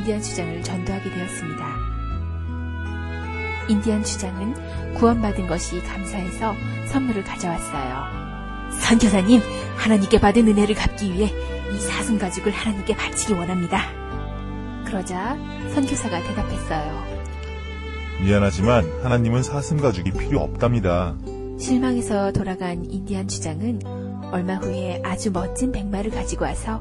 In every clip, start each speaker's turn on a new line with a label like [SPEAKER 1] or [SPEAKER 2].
[SPEAKER 1] 인디안 주장을 전도하게 되었습니다. 인디안 주장은 구원받은 것이 감사해서 선물을 가져왔어요. 선교사님, 하나님께 받은 은혜를 갚기 위해 이 사슴 가죽을 하나님께 바치기 원합니다. 그러자 선교사가 대답했어요.
[SPEAKER 2] 미안하지만 하나님은 사슴 가죽이 필요 없답니다.
[SPEAKER 1] 실망해서 돌아간 인디안 주장은 얼마 후에 아주 멋진 백마를 가지고 와서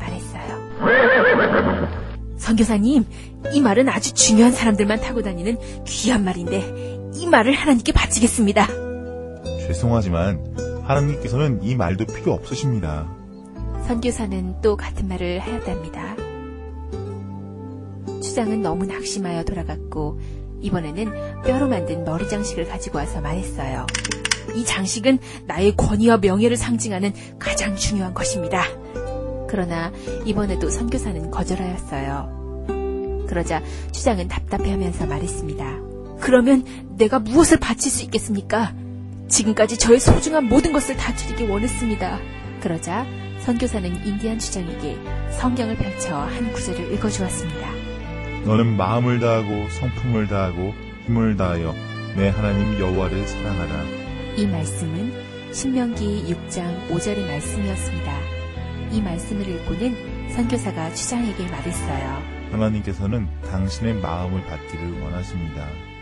[SPEAKER 1] 말했어요. 선교사님, 이 말은 아주 중요한 사람들만 타고 다니는 귀한 말인데 이 말을 하나님께 바치겠습니다.
[SPEAKER 2] 죄송하지만 하나님께서는 이 말도 필요 없으십니다.
[SPEAKER 1] 선교사는 또 같은 말을 하였답니다. 주장은 너무 낙심하여 돌아갔고 이번에는 뼈로 만든 머리 장식을 가지고 와서 말했어요. 이 장식은 나의 권위와 명예를 상징하는 가장 중요한 것입니다. 그러나 이번에도 선교사는 거절하였어요. 그러자 주장은 답답해하면서 말했습니다. 그러면 내가 무엇을 바칠 수 있겠습니까? 지금까지 저의 소중한 모든 것을 다 드리기 원했습니다. 그러자 선교사는 인디안 주장에게 성경을 펼쳐 한 구절을 읽어주었습니다.
[SPEAKER 2] 너는 마음을 다하고 성품을 다하고 힘을 다하여 내 하나님 여호와를 사랑하라.
[SPEAKER 1] 이 말씀은 신명기 6장 5절의 말씀이었습니다. 이 말씀을 읽고는 선교사가 주장에게 말했어요.
[SPEAKER 2] 하나님께서는 당신의 마음을 받기를 원하십니다.